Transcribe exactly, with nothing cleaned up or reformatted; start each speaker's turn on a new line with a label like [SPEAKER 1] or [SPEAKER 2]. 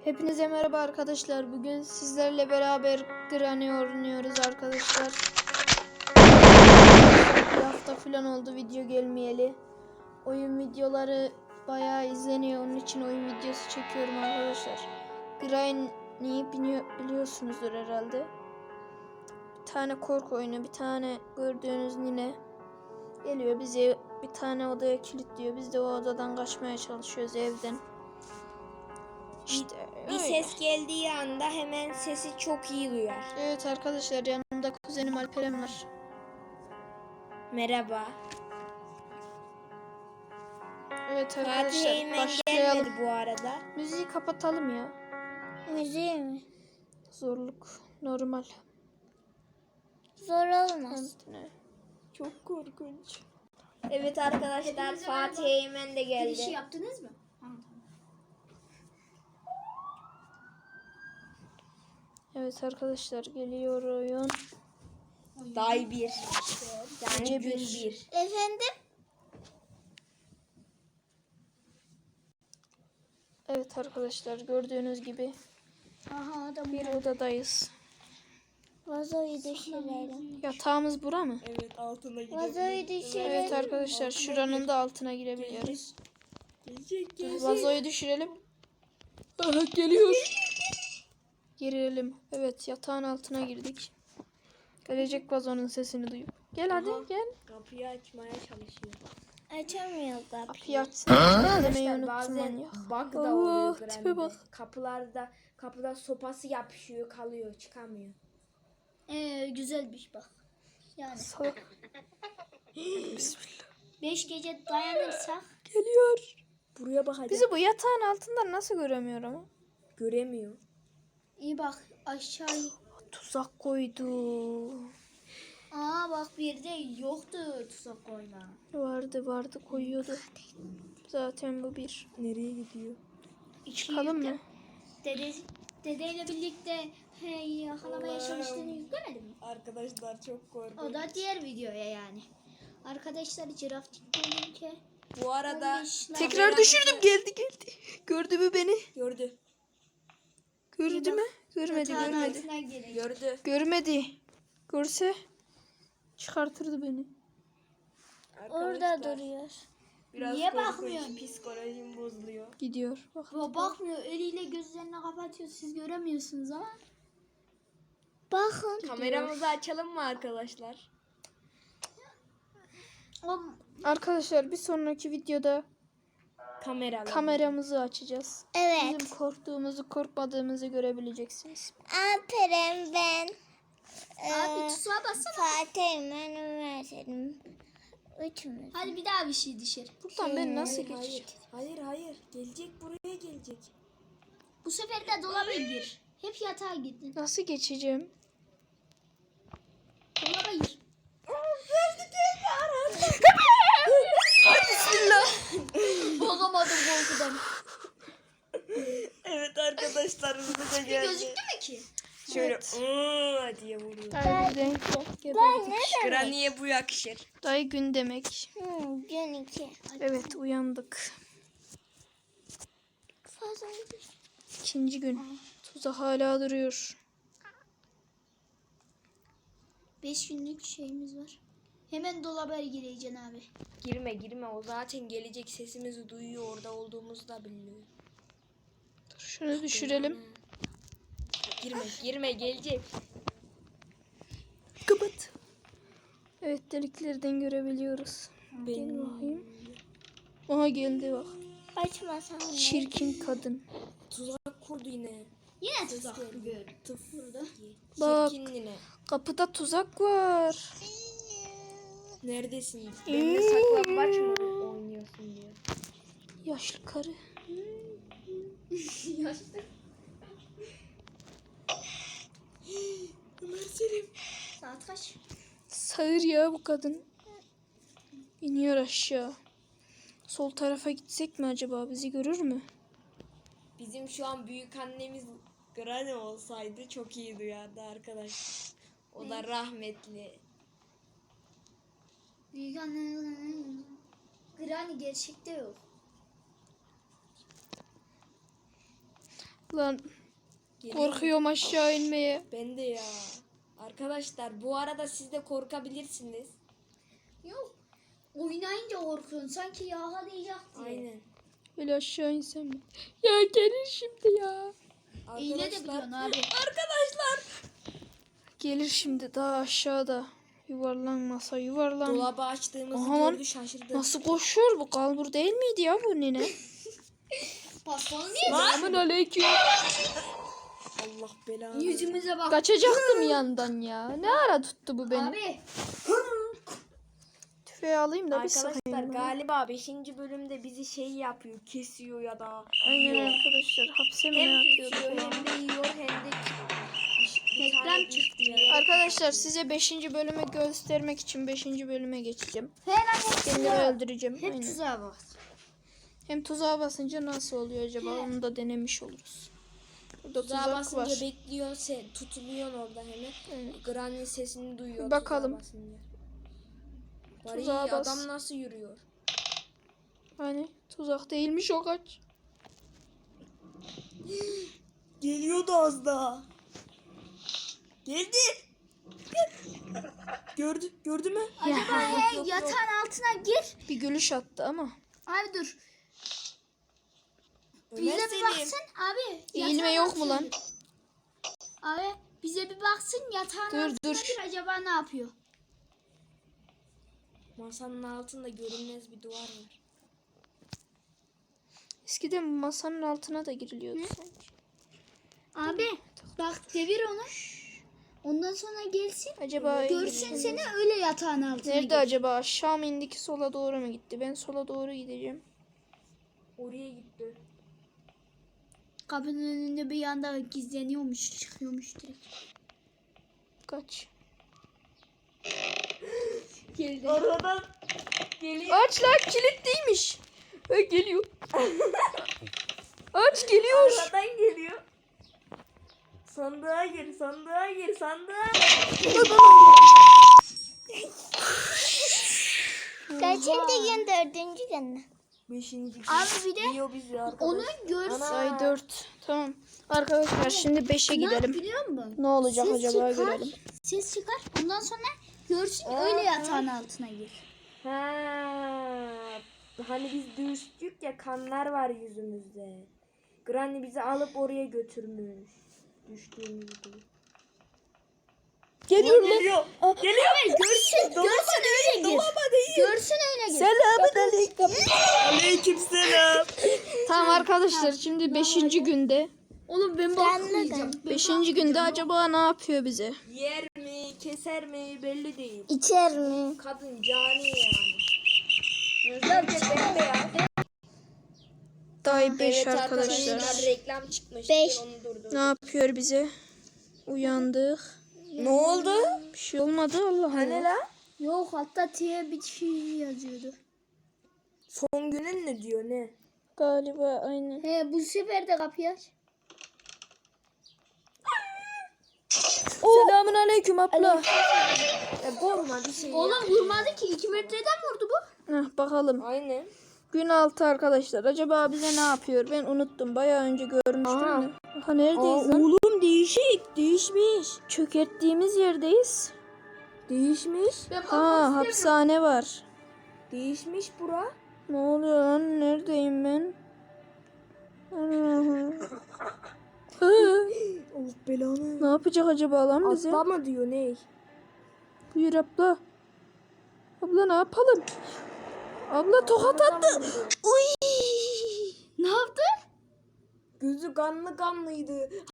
[SPEAKER 1] Hepinize merhaba arkadaşlar. Bugün sizlerle beraber Granny oynuyoruz arkadaşlar. Bir hafta falan oldu video gelmeyeli. Oyun videoları bayağı izleniyor. Onun için oyun videosu çekiyorum arkadaşlar. Granny'yi biliyorsunuzdur herhalde. Bir tane korku oyunu, bir tane gördüğünüz nine geliyor. Bizi bir tane odaya kilitliyor. Biz de o odadan kaçmaya çalışıyoruz evden. İşte
[SPEAKER 2] bir ses geldiği anda hemen sesi çok iyi duyar.
[SPEAKER 1] Evet arkadaşlar, yanımda kuzenim Alperen var.
[SPEAKER 2] Merhaba.
[SPEAKER 1] Evet arkadaşlar,
[SPEAKER 2] Fatih
[SPEAKER 1] başlayalım.
[SPEAKER 2] gelmedi bu arada.
[SPEAKER 1] Müziği kapatalım ya.
[SPEAKER 3] Müziği mi?
[SPEAKER 1] Zorluk normal.
[SPEAKER 3] Zor olmaz.
[SPEAKER 1] Ne?
[SPEAKER 2] Çok korkunç. Evet arkadaşlar, Fatih Eymen de geldi.
[SPEAKER 3] Girişi yaptınız mı?
[SPEAKER 1] Evet arkadaşlar, geliyor oyun.
[SPEAKER 2] Day bir. Yani
[SPEAKER 1] Gece
[SPEAKER 2] gün
[SPEAKER 1] bir.
[SPEAKER 2] bir.
[SPEAKER 3] Efendim?
[SPEAKER 1] Evet arkadaşlar, gördüğünüz gibi
[SPEAKER 3] Aha adam
[SPEAKER 1] bir odadayız.
[SPEAKER 3] vazoyu düşürelim.
[SPEAKER 1] Yatağımız bura mı?
[SPEAKER 2] Evet, altına
[SPEAKER 3] Vazoyu düşürelim.
[SPEAKER 1] Evet arkadaşlar, şuranın da altına girebiliyoruz.
[SPEAKER 2] Gelecek,
[SPEAKER 1] Dur,
[SPEAKER 2] gelecek.
[SPEAKER 1] vazoyu düşürelim. Aha, geliyor. Girelim. Evet, yatağın altına girdik. Gelecek vazonun sesini duyup. Gel hadi
[SPEAKER 2] Aha.
[SPEAKER 1] gel.
[SPEAKER 2] Kapıyı açmaya çalışıyor.
[SPEAKER 3] Açamıyor kapıyı.
[SPEAKER 1] Kapıyı açsın. Demeyi
[SPEAKER 2] Arkadaşlar
[SPEAKER 1] unuttum
[SPEAKER 2] bazen
[SPEAKER 1] manyak.
[SPEAKER 2] bug da
[SPEAKER 1] Allah,
[SPEAKER 2] oluyor
[SPEAKER 1] tipe
[SPEAKER 2] Granny'de.
[SPEAKER 1] bak.
[SPEAKER 2] Kapılarda kapıda sopası yapışıyor, kalıyor, çıkamıyor.
[SPEAKER 3] Ee, güzelmiş bak. Yani
[SPEAKER 1] Salak. Bismillah.
[SPEAKER 3] beş gece dayanırsak
[SPEAKER 1] Geliyor.
[SPEAKER 2] Buraya bak hadi.
[SPEAKER 1] Bizi bu yatağın altından nasıl göremiyor ama?
[SPEAKER 2] Göremiyor.
[SPEAKER 3] iyi bak aşağı.
[SPEAKER 1] Tuzak koydu.
[SPEAKER 3] Aa bak bir de yoktu tuzak koyma.
[SPEAKER 1] Vardı vardı koyuyordu. Zaten bu bir.
[SPEAKER 2] Nereye gidiyor?
[SPEAKER 1] Çıkalım mı?
[SPEAKER 3] Dede, dedeyle birlikte hey, yakalamaya çalıştığını yüklemedin mi?
[SPEAKER 2] Arkadaşlar çok korkunç.
[SPEAKER 3] O da diğer videoya yani. Arkadaşlar ciraftik ki
[SPEAKER 2] Bu arada
[SPEAKER 1] Tekrar düşürdüm, geldi geldi. Gördü mü beni?
[SPEAKER 2] gördü.
[SPEAKER 1] Gördü mü? Görmedi görmedi.
[SPEAKER 2] Gördü.
[SPEAKER 1] Görmedi. Görse çıkartırdı beni.
[SPEAKER 3] Orada
[SPEAKER 2] Arkadaşlar,
[SPEAKER 3] duruyor.
[SPEAKER 2] Biraz
[SPEAKER 3] Niye
[SPEAKER 2] korkunç,
[SPEAKER 3] bakmıyorsun?
[SPEAKER 2] psikolojim bozuluyor.
[SPEAKER 1] Gidiyor. Bak.
[SPEAKER 3] Bu bakmıyor, eliyle gözlerini kapatıyor. Siz göremiyorsunuz ama. Bakın.
[SPEAKER 2] Kameramızı açalım mı arkadaşlar?
[SPEAKER 3] O,
[SPEAKER 1] Arkadaşlar, bir sonraki videoda
[SPEAKER 2] Kameralı.
[SPEAKER 1] kameramızı açacağız.
[SPEAKER 3] evet.
[SPEAKER 1] Bizim korktuğumuzu, korkmadığımızı görebileceksiniz.
[SPEAKER 3] Alperen ben. Abi tuzağa bassana. Fatih ben üniversitedim. Üçümüz. Hadi bir daha bir şey dışarı.
[SPEAKER 1] Buradan ben nasıl
[SPEAKER 2] Hayır,
[SPEAKER 1] geçeceğim?
[SPEAKER 2] hayır, hayır, hayır. Gelecek, buraya gelecek.
[SPEAKER 3] Bu sefer de dolaba gir. Hep yatağa gittin.
[SPEAKER 1] Nasıl geçeceğim?
[SPEAKER 3] Dolaba gir.
[SPEAKER 1] Bismillah.
[SPEAKER 3] Bozamadım korkudan.
[SPEAKER 2] Evet arkadaşlar, hızlıca geldi.
[SPEAKER 3] Gözüktü mü ki?
[SPEAKER 2] Şöyle
[SPEAKER 1] Evet.
[SPEAKER 2] ıı diye vuruyor.
[SPEAKER 1] Dayı denk yok. Geberdik.
[SPEAKER 2] Granny'e bu yakışır.
[SPEAKER 1] Dayı gün demek.
[SPEAKER 3] Hmm, gün iki.
[SPEAKER 1] Evet, uyandık.
[SPEAKER 3] Fazla
[SPEAKER 1] İkinci gün. Tuzak hala duruyor.
[SPEAKER 3] Beş günlük şeyimiz var. Hemen dolaba gireceksin abi.
[SPEAKER 2] Girme girme, o zaten gelecek, sesimizi duyuyor, orada olduğumuzu da biliyor.
[SPEAKER 1] Dur, şunu düşürelim.
[SPEAKER 2] Girme girme, gelecek.
[SPEAKER 1] Kapat. Evet, deliklerden görebiliyoruz. Gel
[SPEAKER 2] Benim.
[SPEAKER 1] bakayım. Aha, geldi bak.
[SPEAKER 3] Açmasan.
[SPEAKER 1] Çirkin kadın.
[SPEAKER 2] Tuzak kurdu yine.
[SPEAKER 3] Yine tuzak gör.
[SPEAKER 2] Tıf.
[SPEAKER 3] Burada.
[SPEAKER 1] Bak.
[SPEAKER 2] Çirkin yine.
[SPEAKER 1] Kapıda tuzak var.
[SPEAKER 2] Neredesin? Benimle saklambaç mı oynuyorsun diyor.
[SPEAKER 1] Yaşlı karı.
[SPEAKER 2] Ömer Selim.
[SPEAKER 3] Saat kaç?
[SPEAKER 1] Sağır ya bu kadın. İniyor aşağı. Sol tarafa gitsek mi acaba? Bizi görür mü?
[SPEAKER 2] Bizim şu an büyük annemiz Granny olsaydı çok iyi duyardı arkadaş. O da rahmetli.
[SPEAKER 3] Büyük anne. Granny gerçekte yok.
[SPEAKER 1] Lan
[SPEAKER 2] Gelin.
[SPEAKER 1] korkuyorum aşağı inmeye.
[SPEAKER 2] Ben de ya. Arkadaşlar bu arada siz de korkabilirsiniz.
[SPEAKER 3] Yok. Oynayınca korkuyorsun. Sanki yaha diyecek diye.
[SPEAKER 2] Aynen.
[SPEAKER 1] Öyle aşağı insem mi? Ya gelir şimdi ya.
[SPEAKER 3] İğne de
[SPEAKER 2] Arkadaşlar.
[SPEAKER 3] biliyorsun abi.
[SPEAKER 2] Arkadaşlar.
[SPEAKER 1] Gelir şimdi daha aşağıda. Yuvarlan masa yuvarlan.
[SPEAKER 2] Dolabı açtığımızı
[SPEAKER 1] Aha lan.
[SPEAKER 2] gördü şaşırdı.
[SPEAKER 1] Nasıl koşuyor bu? Kalbur değil miydi ya bu nene?
[SPEAKER 3] Pastanı niye?
[SPEAKER 1] Selamun aleyküm.
[SPEAKER 2] Allah belanı.
[SPEAKER 3] Yüzümüze bak.
[SPEAKER 1] Kaçacaktım yandan ya. Ne ara tuttu bu beni?
[SPEAKER 3] Abi.
[SPEAKER 1] Tüfeği alayım da bir
[SPEAKER 2] Arkadaşlar
[SPEAKER 1] sıkayım.
[SPEAKER 2] galiba beşinci bölümde bizi şey yapıyor, kesiyor ya da
[SPEAKER 1] Aynen
[SPEAKER 2] yiyor.
[SPEAKER 1] arkadaşlar. Hapse mi ne
[SPEAKER 2] Hem
[SPEAKER 1] atıyordu?
[SPEAKER 2] kesiyor hem de yiyor hem de bir- bir tane
[SPEAKER 3] Reklam çıktı
[SPEAKER 2] bir yere-
[SPEAKER 1] Arkadaşlar size beşinci bölümü göstermek için beşinci bölüme geçeceğim.
[SPEAKER 3] Helal
[SPEAKER 1] Kendileri öldüreceğim.
[SPEAKER 3] Hep
[SPEAKER 1] Aynen.
[SPEAKER 3] tuzağa bak.
[SPEAKER 1] Hem tuzağa basınca nasıl oluyor acaba? Onu da denemiş oluruz. Burada
[SPEAKER 2] Tuzağa
[SPEAKER 1] tuzak
[SPEAKER 2] basınca
[SPEAKER 1] var.
[SPEAKER 2] bekliyorsun, sen tutuluyorsun orada hemen.
[SPEAKER 1] Aynen.
[SPEAKER 2] Granny sesini duyuyor.
[SPEAKER 1] Bakalım.
[SPEAKER 2] tuzağa basınca. Var
[SPEAKER 1] Tuzağa
[SPEAKER 2] iyi,
[SPEAKER 1] bas.
[SPEAKER 2] adam nasıl yürüyor?
[SPEAKER 1] Hani tuzak değilmiş o kaç.
[SPEAKER 2] Geliyordu az daha. Geldi. Gördü, gördü mü?
[SPEAKER 3] Acaba he, yatağın altına gir.
[SPEAKER 1] Bir gülüş attı ama.
[SPEAKER 3] Abi dur.
[SPEAKER 2] Ömer
[SPEAKER 3] Bize bir
[SPEAKER 2] Selim.
[SPEAKER 3] baksın abi.
[SPEAKER 1] Eğilme
[SPEAKER 3] yatağın
[SPEAKER 1] yok mu
[SPEAKER 3] altına
[SPEAKER 1] lan?
[SPEAKER 3] gir. Abi bize bir baksın yatağın
[SPEAKER 1] Dur,
[SPEAKER 3] altına
[SPEAKER 1] dur.
[SPEAKER 3] gir, acaba ne yapıyor?
[SPEAKER 2] Masanın altında görünmez bir duvar var.
[SPEAKER 1] Eskiden bu masanın altına da giriliyordu sanki.
[SPEAKER 3] Abi bak devir onu. Ondan sonra gelsin.
[SPEAKER 1] Acaba
[SPEAKER 3] Görsün seni öyle yatağın altına
[SPEAKER 1] nerede
[SPEAKER 3] gir.
[SPEAKER 1] acaba? Aşağı mı indiki sola doğru mu gitti? Ben sola doğru gideceğim.
[SPEAKER 2] Oraya gitti.
[SPEAKER 3] Kapının önünde bir yanda gizleniyormuş, çıkıyormuş direkt.
[SPEAKER 1] Kaç.
[SPEAKER 3] Geldi.
[SPEAKER 2] Aradan geliyor.
[SPEAKER 1] Aç lan kilitliymiş. Ha, geliyor. Aç geliyor.
[SPEAKER 2] Aradan geliyor. Sandığa gir, sandığa gir, sandığa.
[SPEAKER 3] Kaçıncı gün dördüncü gün mü?
[SPEAKER 2] Beşinci gün.
[SPEAKER 3] Abi bir de
[SPEAKER 2] Yiyor bizi arkadaş.
[SPEAKER 3] onu görsün.
[SPEAKER 1] Say dört. Tamam. Arkadaşlar şimdi beşe
[SPEAKER 3] Ne yap
[SPEAKER 1] gidelim.
[SPEAKER 3] biliyor musun?
[SPEAKER 1] Ne olacak
[SPEAKER 3] Ses
[SPEAKER 1] acaba
[SPEAKER 3] çıkar,
[SPEAKER 1] görelim.
[SPEAKER 3] Ses çıkar. Ondan sonra görsün öyle yatağın altına gir.
[SPEAKER 2] Ha, hani biz düştük ya, kanlar var yüzümüzde. Granny bizi alıp oraya götürmüş. Düştüğümüzde.
[SPEAKER 1] Geliyor lan.
[SPEAKER 2] Geliyor. Geliyor.
[SPEAKER 3] Görsün, görsün öyle gir. Görsün öyle gir.
[SPEAKER 1] Selamun aleyküm.
[SPEAKER 2] Aleyküm selam.
[SPEAKER 1] Tamam arkadaşlar şimdi beşinci günde.
[SPEAKER 3] Oğlum ben bakmayacağım.
[SPEAKER 1] Beşinci günde acaba ne yapıyor bize?
[SPEAKER 2] Yer mi, keser mi belli değil.
[SPEAKER 3] İçer mi?
[SPEAKER 2] Kadın cani yani. Gözler de bembeyaz.
[SPEAKER 1] Day beş
[SPEAKER 2] Evet
[SPEAKER 1] arkadaşlar.
[SPEAKER 2] arkadaşlar, reklam çıkmış.
[SPEAKER 3] Beş.
[SPEAKER 2] Onu durdur.
[SPEAKER 1] Ne yapıyor bize? Uyandık.
[SPEAKER 2] Ne oldu?
[SPEAKER 1] Bir şey olmadı Allah
[SPEAKER 2] Hani
[SPEAKER 1] Allah.
[SPEAKER 2] la?
[SPEAKER 3] Yok hatta T'ye bir şey yazıyordu.
[SPEAKER 2] Son günün ne diyor ne?
[SPEAKER 1] Galiba aynen.
[SPEAKER 3] He bu sefer de kapıyı aç.
[SPEAKER 1] Selamun aleyküm abla.
[SPEAKER 2] E korkma bir şey.
[SPEAKER 3] Oğlum vurmadı ki iki metreden vurdu bu.
[SPEAKER 1] Heh, bakalım.
[SPEAKER 2] Aynen.
[SPEAKER 1] Gün altı arkadaşlar. Acaba bize ne yapıyor? Ben unuttum. Bayağı önce görmüştüm
[SPEAKER 2] Aha.
[SPEAKER 1] de. Aha neredeyiz lan?
[SPEAKER 2] Oğlum değişik. Değişmiş.
[SPEAKER 1] Çökerttiğimiz yerdeyiz.
[SPEAKER 2] Değişmiş.
[SPEAKER 1] Ha hapishane var.
[SPEAKER 2] Değişmiş bura.
[SPEAKER 1] Ne oluyor lan? Neredeyim ben? Allah'ım. Hı,
[SPEAKER 2] Allah belanı.
[SPEAKER 1] ne yapacak acaba lan bize?
[SPEAKER 2] Atla mı diyor ne?
[SPEAKER 1] Buyur abla. Abla ne yapalım? Abla tokat attı. Uy.
[SPEAKER 3] Ne yaptı?
[SPEAKER 2] Gözü kanlı kanlıydı.